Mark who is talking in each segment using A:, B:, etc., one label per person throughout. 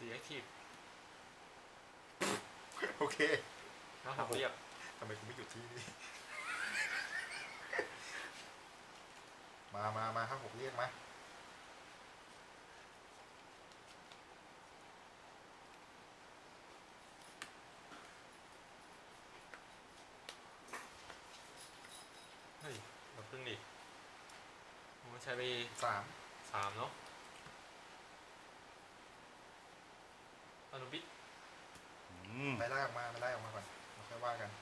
A: 4 active
B: โอเค
A: 5 6 เรียบ
B: ทำไมกูไม่หยุดที่นี่ มา5 6เรียกมา
A: เฮ้ยเราพึ่งดิมันใช้ไป3 เนาะอนุบิด
B: ไปไล่ออกมาก่อนเราค่อยว่ากัน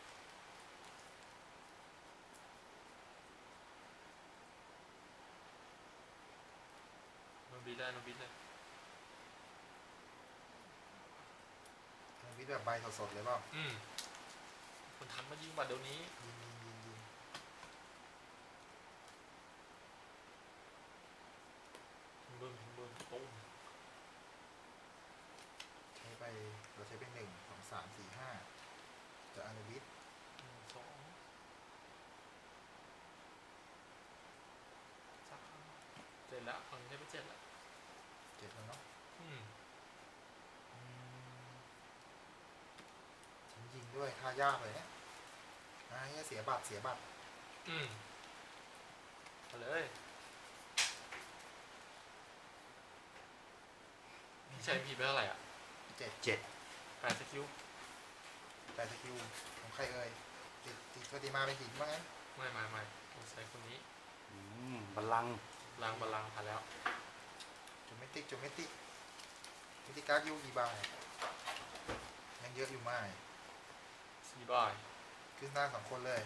A: อนุบิดเลย
B: วิทย์แบบใบสดๆเลยเปล่า
A: คนทันมายิงบัตรเดี๋ยวนี้
B: ยิง
A: บึ้มตุ้ม
B: เราใช้ไป1 2 3 4 5จะอนุวิทย์
A: 2 7แล้วฝั่งนี้ได้ไป7แล้ว
B: แล้วเนาะยิงด้วยท่ายากเลยเนี่ยเสียบัตร
A: มาเลยพี่ใช้พีไปเท่าไหร่อ่ะ8 สกิล
B: ของใครเอ่ยติดปฏิมาเป็นหินบ้างไง
A: ไม่ผมใช้คนนี้
C: บัลลังก์
A: ผ่านแล้ว
B: จูเมติการ์ดยูกี่ใบยังเยอะอยู่มาก
A: 4 ใบ
B: ขึ้นหน้า2 คนเลย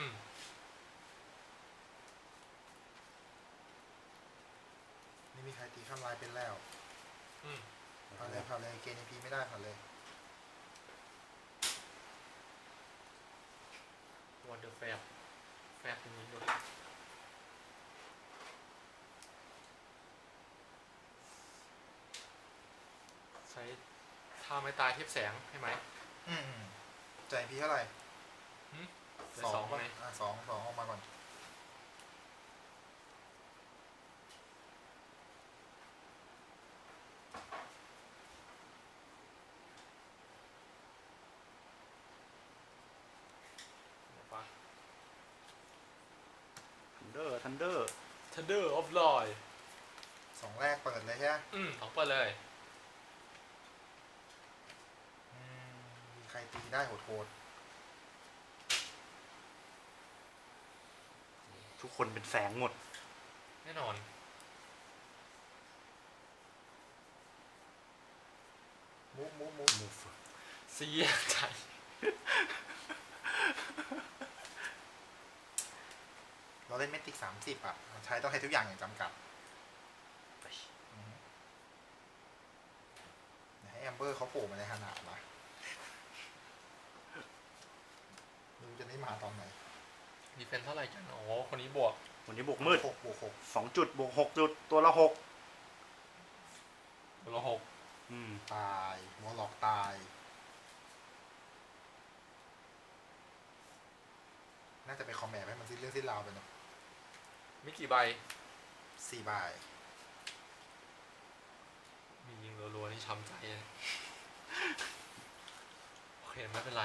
B: นี่มีใครตีข้ามลายเป็นแล้วผ่านเลยเกณฑ์ EP ไม่ได้ผ่านเลย
A: วันเดอร์แฟบตรงนี้ด้วยใช้ท่าไม้ตายเทียบแสงให้ไหม
B: ใจ EP เท่าไหร่
A: 2ไหม
B: 2ออกมาก่อน
A: Thunder of Lord
B: 2 แรกเปิดเลยใช่ไหม
A: 2 เปิดเลย
B: มีใครตีได้โหด
C: ทุกคนเป็นแสงหมด
A: แน่นอน
B: มูฟ
A: เสียใจ
B: เราเล่นเมติก30อ่ะใช้ต้องให้ทุกอย่างอย่างจำกัดให้แอมเบอร์เขาโผล่มาในขนาดมาดูจะได้มาตอนไหน
A: ดีเฟนส์เท่าไหร่กันคนนี้บวก
C: มืด2 จุดบวก6 จุดตัวละ6
B: ตายวอลล็อกตายน่าจะไปคอมแมทให้มันสิ้นเรื่องสิ้นราวไปเนาะ
A: มีกี่ใบ
B: 4 ใบ
A: มียิงรัวๆนี่ช้ำใจเลยโอเคไม่เป็นไร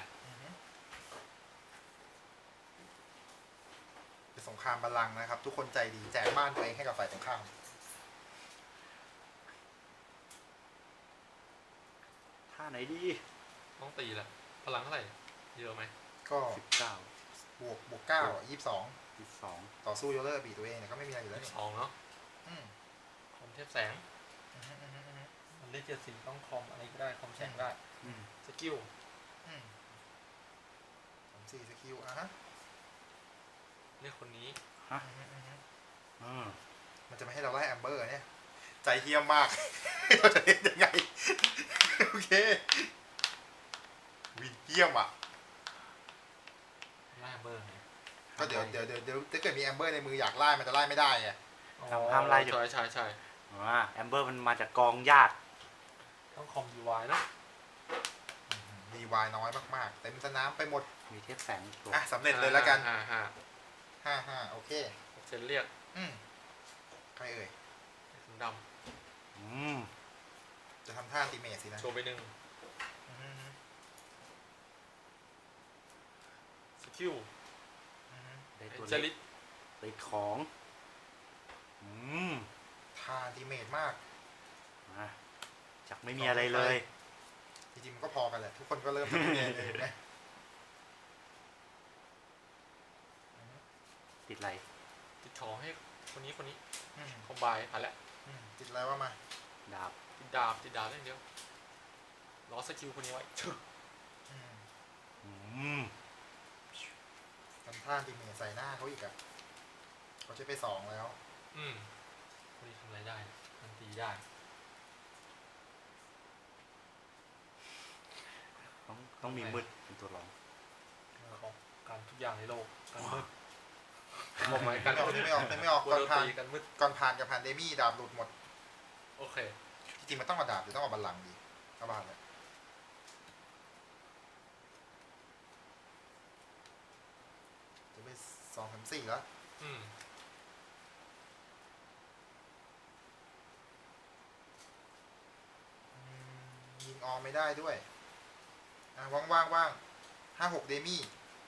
B: เป็นสงครามบัลลังก์นะครับทุกคนใจดีแจกบ้านตัวเองให้กับฝ่ายตรงข้าม
C: ท่าไหนดี
A: ต้องตีแหละพลังเท่าไหร่เยอะไหม
B: ก็
C: 19
B: บวก9 22ต่อสู้โยเลอร์บีตัวเองเนี่ยก็ไม่มีอะไรอยู่แล้วนี่
A: 2เนาะคอมเทพแสงมันได้7 สีต้องคอมอะไรก็ได้คอมแสงได้สกิล
B: 4 สกิล
A: เรียกคนนี้
B: มันจะไม่ให้เราไล่แอมเบอร์เนี่ยใจเฮี้ยมมากเราจะเล่นยังไงโอเควินเฮี้ยมอ่ะ
A: ไล่แอมเบอร์
B: ก็เดี๋ยวถ้าเกิดมีแอมเบอร์ในมืออยากไล่มันจะไล่ไม่ได้ไง
C: ห้ามไล่
A: ใช่
C: แอมเบอร์มันมาจากกองญาติ
A: ต้องคอม DY นะ
B: DY น้อยมากๆเต็มสนามไปหมด
C: มีเทปแสง
B: สำเร็จเลยแล้วกัน5โอเค
A: เซ็นเรียก
B: ใครเอ่ย
A: ถุงดำ
B: จะทำท่าอันติเมทสินะ
A: โชว์ไปหนึ่ง
B: อือฮึ
A: สกิล
B: อือฮึ
C: ได้ตัว
A: เจ
C: เล็
A: ลิ
C: ก
A: ต
C: ติดของม
B: ท่าอันติเมทมาก
C: มาจากไม่มีอะไรเลย
B: จริงๆมันก็พอกันแหละ ทุกคนก็เริ่มจากที่เลยนะ
C: ติดอะไร
A: ติดของให้คนนี้คนนี้
B: อืม
A: คอมไบผ่านแล้ว
B: ติดอะไรว่ามา
C: ดาบ
A: ติดดาบเรื่องเดียวล้อสกิลคนนี้ไว้
B: อืม
C: อืม
B: ทำท่าอันติเมทใส่หน้าเขาอีกอะเขาใช้ไป2แล้ว
A: คนนี้ทำอะไรได้มันตีได้
C: ต้องมีมืดเป็นตัวรอง
A: ของการทุกอย่างในโลกการมืดบอกไหมการ
B: ไม่ออกไม่ออกไม่ออก
A: ก
B: ก่อน
A: ด
B: ผ่าน
A: ตีกันมืด
B: ก่อนผ่านกับผ่านเดมี่ดาบหลุดหมด
A: โอเค
B: จริงๆมันต้องมาดาบหรือต้องเอาบัลลังก์ดีเอาบาลเลยจะไป2-4แล้ว
A: อืม
B: ยิงออมไม่ได้ด้วยว่าง5-6เดมี่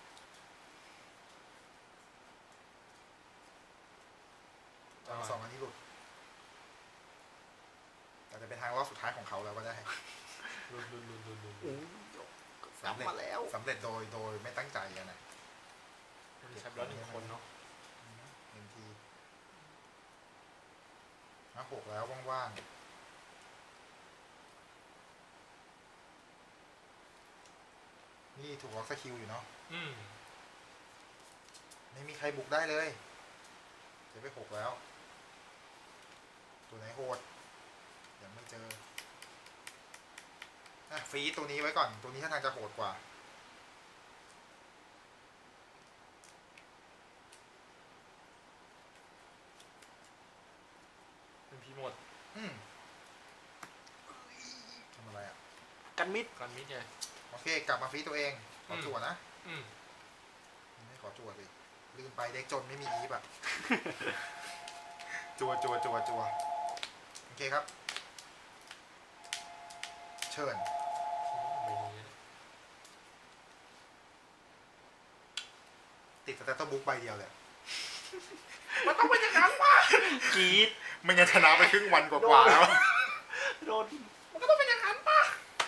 B: เอา2อันนี้หลุดแต่จะเป็นทางรอบสุดท้ายของเขาแล้วก็ได้
A: ลุน
B: สำเร็จมาแล้วสำเร็จโดยไม่ตั้งใจอะนะ
A: คนนี้ใช้แล้ว1 คนเนาะ
B: 1 ที5-6แล้วว่างๆนี่ถูกล็อกสกิลอยู่เนาะ
A: อืม
B: ไม่มีใครบุกได้เลยจะไป6แล้ว ตัวไหนโหดยังไม่เจอฟรีตัวนี้ไว้ก่อน ตัวนี้ท่าทางจะโหดกว่า
A: เป็นพีหมด
B: ทำอะไรอ่ะ
C: กันมิด
A: การมิดไง
B: โอเค กลับมาฟรีตัวเอง ขอจั่วนะ
A: อืม
B: ไม่ขอจั่วสิลืมไปเด็กจนไม่มีอีฟอ่ะ จั่วโอเคครับ เชิญ
A: ใบนี้
B: ติดสแตตเตอร์บุ๊กใบเดียวเลย
C: กรีด
B: ไม่งั้นชนะไปครึ่งวันกว่าๆแล้ว
C: โดน
B: มันก็ต้องเป็นอย่างนั้นป่ะ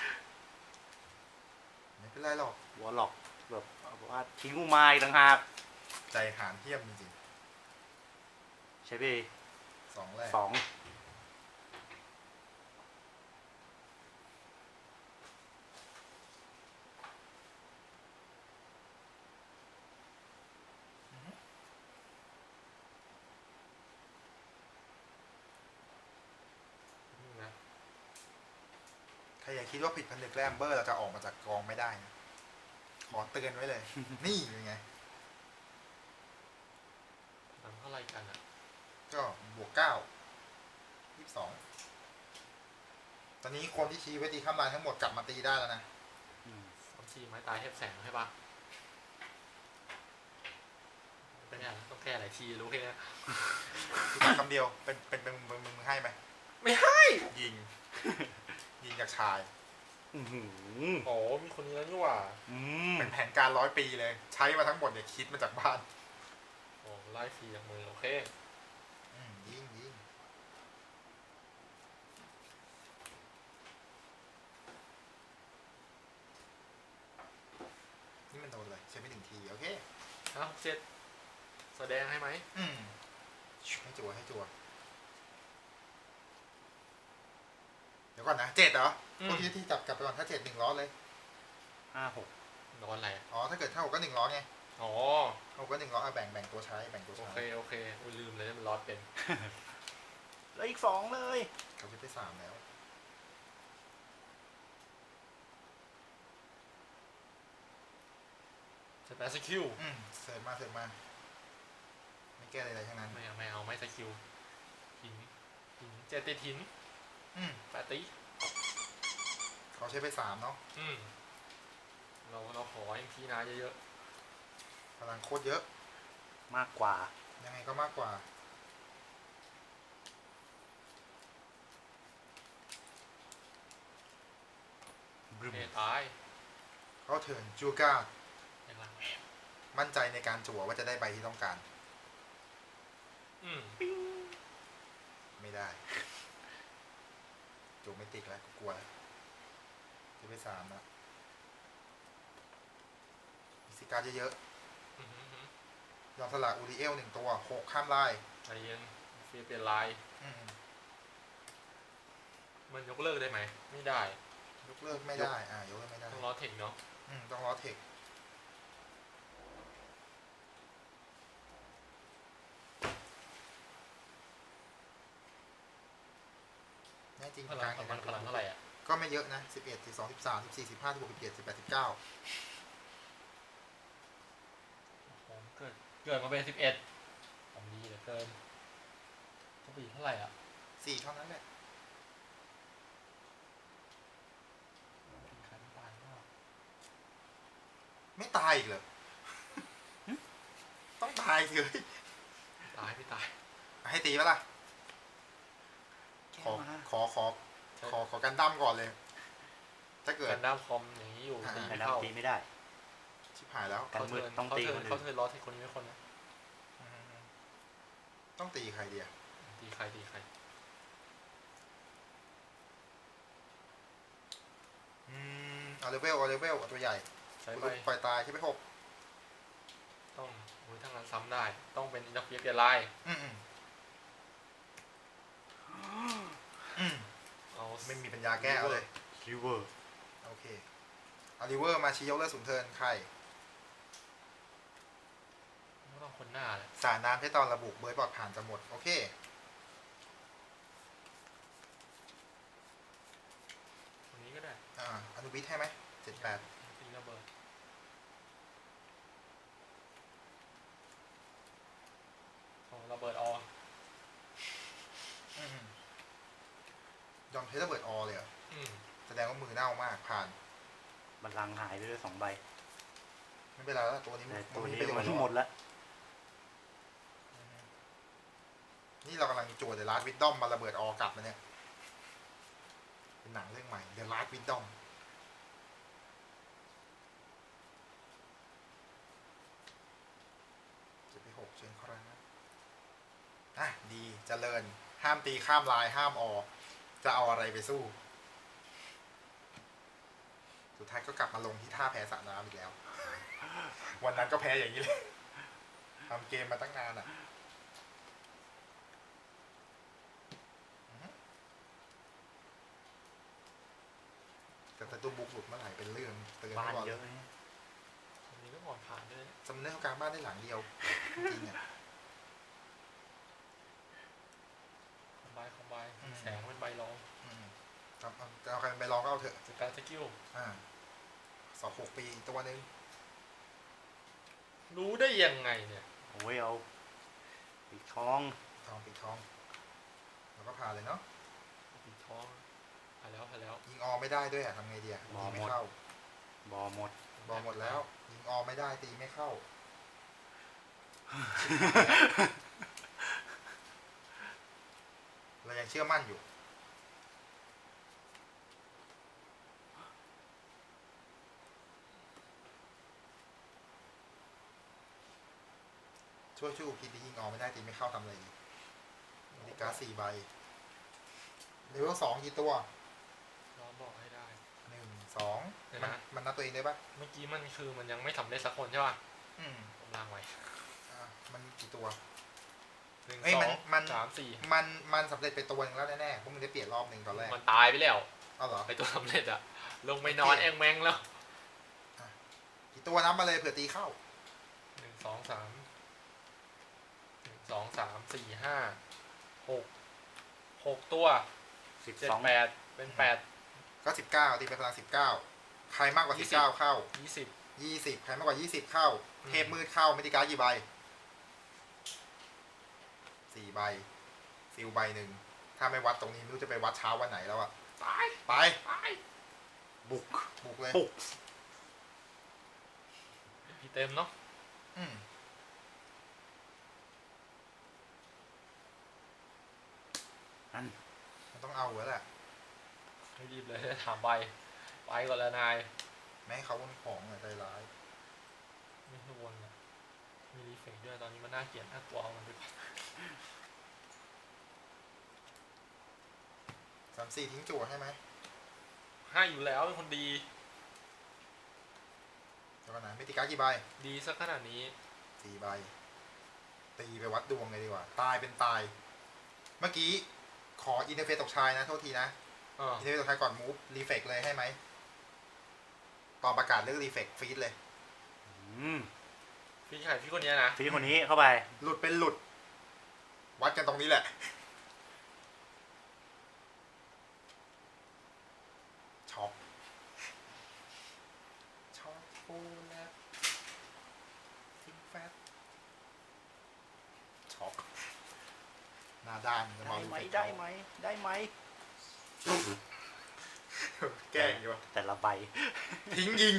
B: ไม่เป็นไรหรอก
C: วอลล็อกแบบว่าทิ้งกูมาอีกต่างหาก
B: ใจหานเทียมจริง
C: ใช่ไป
B: ๆ2แรก
C: 2
A: นี่นะ
B: ใครอย่าคิดว่าผิดพันธุ์แกล้มเบอร์เราจะออกมาจากกองไม่ได้นะขอเตือนไว้เลย นี่เป็นไง
A: นำเท่าไรกันอ่ะ
B: ก็บวก9 22ตอนนี้คนที่ชี้ไว้ตีข้ามลายทั้งหมดกลับมาตีได้แล้วนะ
A: 3-4 ไม้ตายแทบแสงใช่ปะเป็นไงต้องแก้หลายทีรู้แค่นี้
B: คือคำเดียวเป็นมึงให้ไหม
A: ไม่ให้
B: ยิง ยิงจากชาย
C: อื้อหือ
A: โอ้มีคนนี้แล้วนี่หว่า
B: เป็นแผนการ100 ปีเลย ใช้มาทั้งหมดเนี่ยคิดมาจากบ้าน
A: โอ้ไล่ฟรีจากมือโอเค
B: ยิงนี่มันโดนเลยใช้ไม่1 ทีโอเค
A: 5-6-7แสดงให้ไหม
B: ให้จั่วเดี๋ยวก่อนนะ7เหรอพวกที่จับกลับไปก่อนถ้า7 1 ล้อเลย
C: 5-6
A: นอนอะไรอะ
B: อ๋อถ้าเกิดเท่าก็1 ล้อไง
A: อ๋อ
B: เท่าก็1 ล้อแบ่งตัวใช้แบ่งตัว
A: โอ
B: ใช้
A: เคอุ้ยลืมเลยมันลอดเป็น
C: แล้วอีก 2 เลย
B: เขาจะไป3แล้ว
A: สแปซสกิล
B: เสิร์ฟมาไม่แก้อะไรทั้งนั้น
A: ไม่เอาไม่สกิลหินเจติดหิน แปะติ
B: เขาใช้ไป3เนาะ
A: เราขอให้พี่นาเยอะ
B: พลังโคตรเยอะ
C: มากกว่า
B: ยังไงก็มากกว่า
A: เอตาย
B: เขาเถินจูก้า
A: อย่างหลัง
B: มั่นใจในการจั่วว่าจะได้ใบที่ต้องการ ไม่ได้จั่วไม่ติดแล้วกลัวแล้วจะไป3แล้วมีสิการเยอะๆยอมสละอูริเอล1ตัว6ข้ามลาย
A: ใจเย็นเฟียเปลี่ยนลายมันยกเลิกได้ไหมไม่ได้
B: ยกเลิกไม่ได้ยกเลิกไม่ได้
A: ต้องล้อเทคเนาะ
B: ต้องล้อเทคแน่จริง
A: พลังของมันพลังเท่าไหร่อ่ะ
B: ก็ไม่เยอะนะ11 12 13 14 15 16 17 18 19
A: ผมเกิดมาเป็น11ผมดีเหลือเกินต้องไปอีกเท่าไหร่อ่ะ
B: 4เท่านั้นแหละ
A: กินขันปานมาก
B: ไม่ตายอีกเหรอ ต้องตายสิเลย
A: ตายไม่ตาย
B: ให้ตีปะล่ะ ขอกันดั้มก่อนเลย ถ้าเกิด
A: กันด้ามคอมอย่างนี้อยู่ตี
C: แต่
A: ไม่
C: เรา
A: เข้า
C: ตีไม่ได้
B: ชิบหายแล้ว
C: กันมืดต้องตีคนอื่น
A: เขาเทิร์นล้อเทคคนนี้ไม่คนนะ
B: ต้องตีใครดีอะ
A: ตีใคร
B: เอาเลเวลเอาตัวใหญ่
A: ใช้ไป
B: ปล่อยตายใช่ไหม6
A: ต้องถ้างั้นซ้ำได้ต้องเป็นอินเตอร์เฟียเปลี่ยนลาย เอา
B: ไม่มีปัญญาแก้เอาเลย
C: ริเวอร์
B: โอเคเอาริเวอร์มาชี้ยกเลิกสูงเทิร์นใคร
A: ไม่ต้องคนหน้าเลย
B: สารน้ำให้ตอนระบุเบยบอดผ่านจะหมดโอเค
A: คนนี้ก็ได้
B: อนุวิทย์ให้ไหม78
A: ตีระเบิดระเบิดออก
B: ยอมเทระเบิดออเลยเหรอ แสดงว่ามือเน่ามากผ่าน
C: บัลลังก์หายไปด้วย2 ใบ
B: ไม่เป็นไรแล้วตัวนี้
C: แต่ตัวนี้
B: ไป
C: มันหมดแล้ว
B: นี่เรากำลังโจทย์ The Last Wisdom มาระเบิดออกลับมาเนี่ยเป็นหนังเรื่องใหม่ The Last Wisdom จะไป6เชิญครับดีเจริญห้ามตีข้ามลายห้ามออกจะเอาอะไรไปสู้ สุดท้ายก็กลับมาลงที่ท่าแพ้สระน้ำอีกแล้ว วันนั้นก็แพ้อย่างนี้เลยทำเกมมาตั้งนานอ่ะแต่ตัวบุกหลุดเมื่อไหร่เป็นเรื่องเตือน
C: บ้าน
B: ไว้ก่อน
C: เยอะนะ
A: คนนี้ก็ผ่อนผ่านด้วย
B: สำเนาการบ้านได้หลังเดียวจริงๆอ่ะ
A: คอมไบแสงเป็นใบรอง
B: จะเอาใครไปลองก็เอาเถอะ
A: สการสกิล
B: สอบ6 ปีตัวนึง
A: รู้ได้ยังไงเนี่ย
C: โอ้ยเอาปีกทอง
B: ปิดทองแล้วก็ผ่านเลยเนาะ
A: ปิดท้องผ่านแล้ว
B: ยิงออไม่ได้ด้วยอ่ะทำไงดีอ่ะตีไม่เข้า
C: บอหมด
B: บอลหมดแล้ว ยิงออไม่ได้ตีไม่เข้า เรายังเชื่อมั่นอยู่ ช่วยอุคิดดียิงออไม่ได้ตีไม่เข้าทำอะไรดีนาฬิกา4 ใบเลเวล2กี่ตัว
A: น้องบอกให้ได้
B: 1 2มันนับตัวเองได้ปะ
A: เมื่อกี้มันคือมันยังไม่สำเร็จสักคนใช่ป่ะ ผมล้างไว้
B: มันกี่ตัว
A: 1
B: เอ้ยมัน
A: 2 3 4
B: มันสำเร็จไปตัวนึงแล้วแน่ๆเพราะมันได้เปลี่ยนรอบนึงตอนแรก
A: มันตายไปแล้ว
B: เอาเหรอ
A: ไอตัวสำเร็จอะลงไปนอนแองแมงแล้ว
B: กี่ตัวนับมาเลยเผื่อตีเข้า
A: 1 2 3 1 2 3 4 5 6 ตัว 7
C: 12
A: 8เป็น8
B: ก็19ตีไปพลัง19ใครมากกว่า19เข้า
A: 20
B: 20ใครมากกว่า20เข้า เทพมืดเข้าไม่ได้การ์ดกี่ใบ4 ใบซิลใบหนึ่งถ้าไม่วัดตรงนี้ไม่รู้จะไปวัดเช้าวันไหนแล้วอะไป
C: บุก
B: บุกเลย
C: ปุก
A: พี่เต็มเนาะ
C: นั่น
B: มันต้องเอาแล้วแหละ
A: ไม่รีบเลยถามใบไปก่อนแล้วนาย
B: แม่ให้เขาวนของอะใจร้าย
A: ไม่ให้วนอ่ะมีรีเฟกด้วยตอนนี้มันน่าเกลียดน่ากลัวเอามันไปก่อน
B: 3-4 ทิ้งจั่วให้ไหม
A: ให้อยู่แล้วเป็นคนดี
B: เดี๋ยวก่อนนะไม่ตีการ์ดกี่ใบ
A: ดีสักขนาดนี้
B: 4 ใบ ตีไปวัดดวงเลยดีกว่า ตายเป็นตาย เมื่อกี้ขออินเทอร์เฟซตกชายนะ โทษทีนะ อินเทอร์เฟซตกชายก่อนมูฟรีเฟกเลยให้ไหมตอนประกาศเลือกรีเฟกฟีดเลย
A: พี่ชายพี่คนนี้นะ
C: ฟีคนนี้เข้าไป
B: หลุดเป็นหลุด วัดกันตรงนี้แหละ ช็อกช็อกโกแลตทิ้งแฟตช็อกหน้าด้านจะ
C: ได้
B: มา
C: ไหมได้ไหมได้ไหม
B: แกล้งดีวะ
C: แต่ละใบ
B: ทิ้งยิง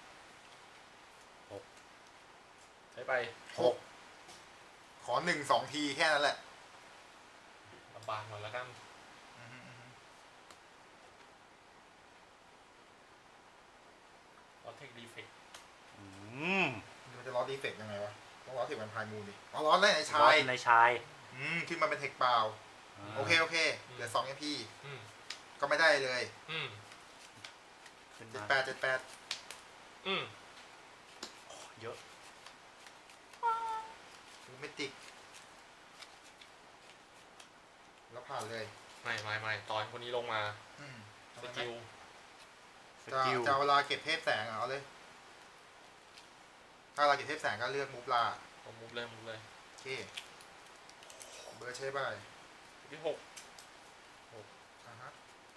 A: ใช้ไป
B: 6 ขอ 1-2 ทีแค่นั้นแหละ
A: ลำบากหน่อยแล้วกันรอเทคดีเฟก
B: มันจะล้อดีเฟกยังไงวะ ต้องล้อเทคแวมไพร์มูนดิอ๋อล้อได้ในชา
C: บอส
B: ย
C: ในชาย
B: ขึ้นมาเป็นเทคเปล่า โอเค เหลือ2 MP ก็ไม่ได้เลย
C: ขึ้นมา
B: 78
C: เยอะ
B: มูเมติก แล้วผ่านเลย
A: ไม่ตอนคนนี้ลงมา
B: ทำ
A: ส
B: ไม
A: กิล
C: สกิล
B: จะเอาเวลาเก็บเทพแสงเอาเลย ถ้าเราเก็บเทพแสงก็เลือกมูฟลา
A: ผมมุฟเลย
B: โอเค เบอร์ใช่ป่ะ
A: ที่
B: อ่าฮะ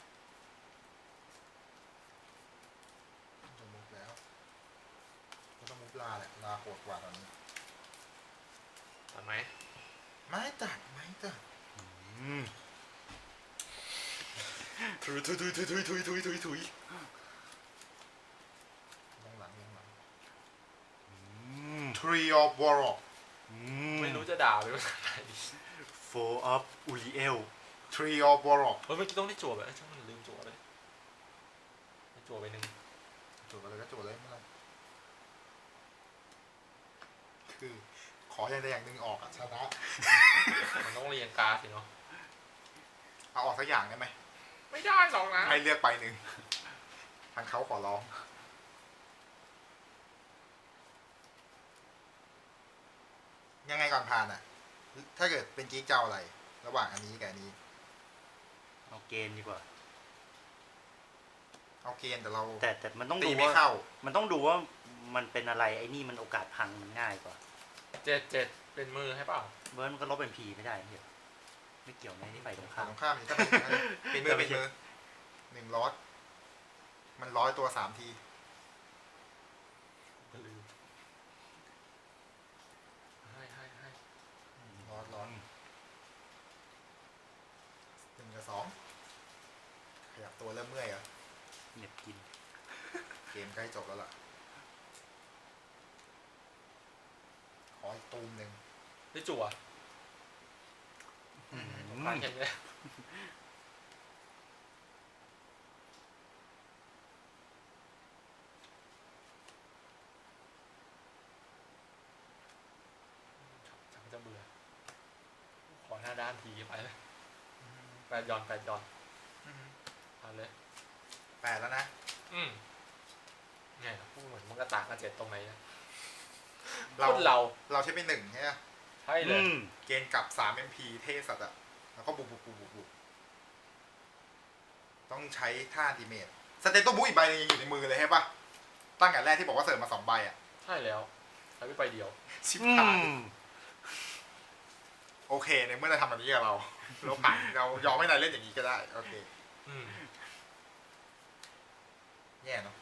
B: จะมูฟแล้วก็ต้องมูฟลาแหละลาโหดกว่าตอนนี้
A: 6ตัดไหม
B: ไม่ตัด
A: ถุย
B: ลงหลัง Tree of Warlock
A: ไม่รู้จะด่าไปว่าอะไรดี
C: Four of Uriel
B: Tree of Warlock
A: เมื่อกี้ต้องได้จั่วไปช่างมันลืมจั่วเลยได้จั่วไปหนึ่ง
B: จดอะไรก็จดเลยไม่เป็นไรคือขออย่างใดอย่างหนึ่งออกอะชนะ
A: มันต้องเรียงการ์ดสิเนาะ
B: เอาออกสักอย่างได้ไหม
A: ไม่ได้หรอกนะ
B: ให้เลือกไปหนึ่งทางเขาขอร้อง ยังไงก่อนผ่านอ่ะ ถ้าเกิดเป็นกิ๊กเจ้าอะไร ระหว่างอันนี้กับอันนี้
C: เอาเกณฑ์ดีกว่า
B: เอาเกณฑ์แต่เรา
C: แต่มันต้อง
B: ตี
C: ดู
B: ไม่
C: ว่า
B: เข้า
C: มันต้องดูว่ามันเป็นอะไรไอ้นี่มันโอกาสพังมันง่ายกว่า
A: 7เป็นมือให้เปล่า
C: เบิร์นมันก็ลบเป็นพีไม่ได้เหี้ยไม่เกี่ยวในที่ไปตรง
B: ฝั่
C: ข้าง ม
B: ตรงข้ามนี่ถ้าเป็นมือเป็นมือ1 ล็อตมัน100 ตัว 3 ที
A: ลืมให้
B: ร้อน1 กับ 2ขยับตัวเริ่มเมื่อยเหรอ
C: เหน็บกิน
B: เกมใกล้จบแล้วล่ะ ขออีกตูมหนึ่ง
A: ได้จั่วผ่านแค่นี้ฉันจะเบื่อขอหน้าด้านทีไปเลย8 ย้อนผ่านเลย
B: 8 แล้วนะ
A: เนี่ยพูดเหมือนมันก็ต่างกัน7ตรงไหนนะ
B: เรา
A: คนเรา
B: เราใช้เป็น1ใช่ไหม
A: ใช่เลย
B: เกณฑ์กลับ3 MP เท่สัตว์อะแล้วก็บุกต้องใช้ท่าดีเมจสเตตโตบูอีกใบนึงยังอยู่ในมือเลยใช่ปะตั้งแต่แรกที่บอกว่าเสิร์ฟมา2 ใบอะ
A: ใช่แล้วใช้ไปใบเดียว
B: ชิบหายโอเคในเมื่อเราทำแบบนี้กับเราผ่านเรายอมให้นายเล่นอย่างนี้ก็ได้ โอเค แย่เนาะ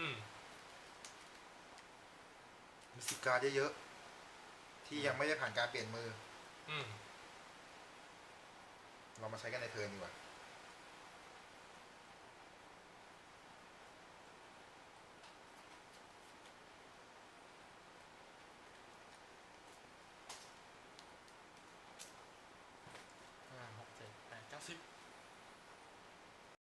B: มี10 การ์ดเยอะๆที่ยังไม่ได้ผ่านการเปลี่ยนมือ เรามาใช้กันในเทิร์นดีกว่า